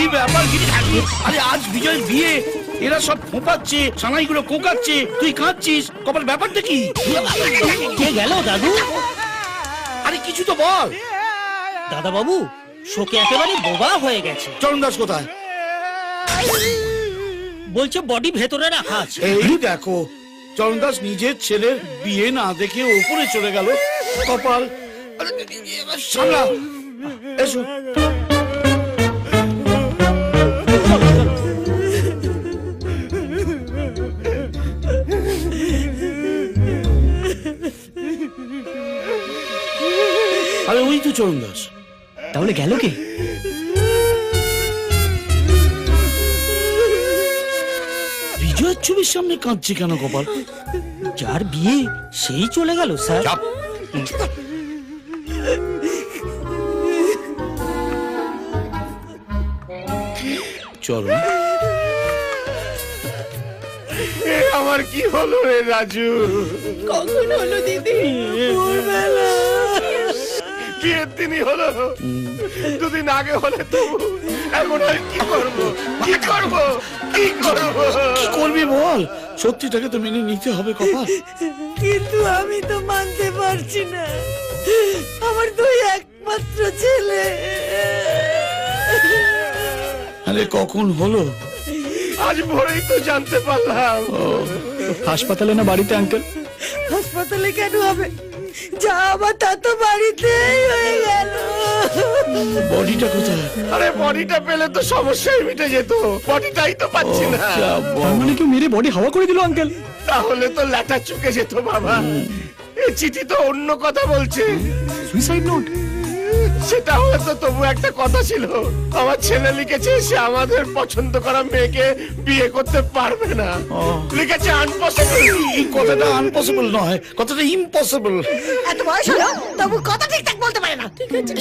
ব্যাপার গিরি? আরে আজ বিজয়ের বিয়ে, এরা সব ফোঁপাচ্ছে, সানাইগুলো কোঁকাচ্ছে, তুই কাঁদছিস, কপাল ব্যাপারটা কি? কে গেল দাদু? আরে কিছু তো বল। দাদা বাবু শোকে একেবারে বোবা হয়ে গেছে। চরণ দাস কোথায়? বলছে বডি ভেতরে রাখা আছে। এই দেখো, চরণ দাস নিজের ছেলের বিয়ে না দেখে ওপরে চলে গেল। কপাল আরে, সামলা, এসো। আরে ওই তো চরণ দাস। তাহলে গেল কে? বিজয়ের ছবির সামনে কাঁদছে কেন কপাল? যার বিয়ে সেই চলে গেল স্যার। চাপ। চলো। আমার কি হলো রে রাজু? কখন হলো দিদি? ভোরবেলা। বিয়ের দিনই হলো, দুদিন আগে হলে তো এখন আর কি করবো, কি করবো, কি করবো? কি করবি বল? সত্যিটাকে তো মেনে নিতে হবে কপাল। কিন্তু আমি তো মানতে পারছি না, আমার দুই একমাত্র ছেলে। আরে কখন হলো? আজ ভোরেই তো জানতে পারলাম। হাসপাতালে না বাড়িতে আঙ্কেল? হাসপাতালে কেন হবে, যা আবার তা তো বাড়িতেই হয়ে গেল। বডিটা কোথায়? আরে বডিটা পেলে তো সমস্যাই মিটে যেত, বডিটাই তো পাচ্ছি না। যা বাবা। মানে কেউ মেরে বডি হাওয়া করে দিল আঙ্কেল? তাহলে তো ল্যাটা চুকে যেত বাবা। এই চিঠি তো অন্য কথা বলছে। Suicide note? সেটা হয়তো তবু একটা কথা ছিল। আমার ছেলে লিখেছে সে আমাদের পছন্দ করা মেয়েকে বিয়ে করতে পারবে না। লিখেছে আনপসিবল। এই কথাটা আনপসিবল নয়, কথাটা ইম্পসিবল। এত বয়স হলো তবু কথা ঠিকঠাক বলতে পারে না।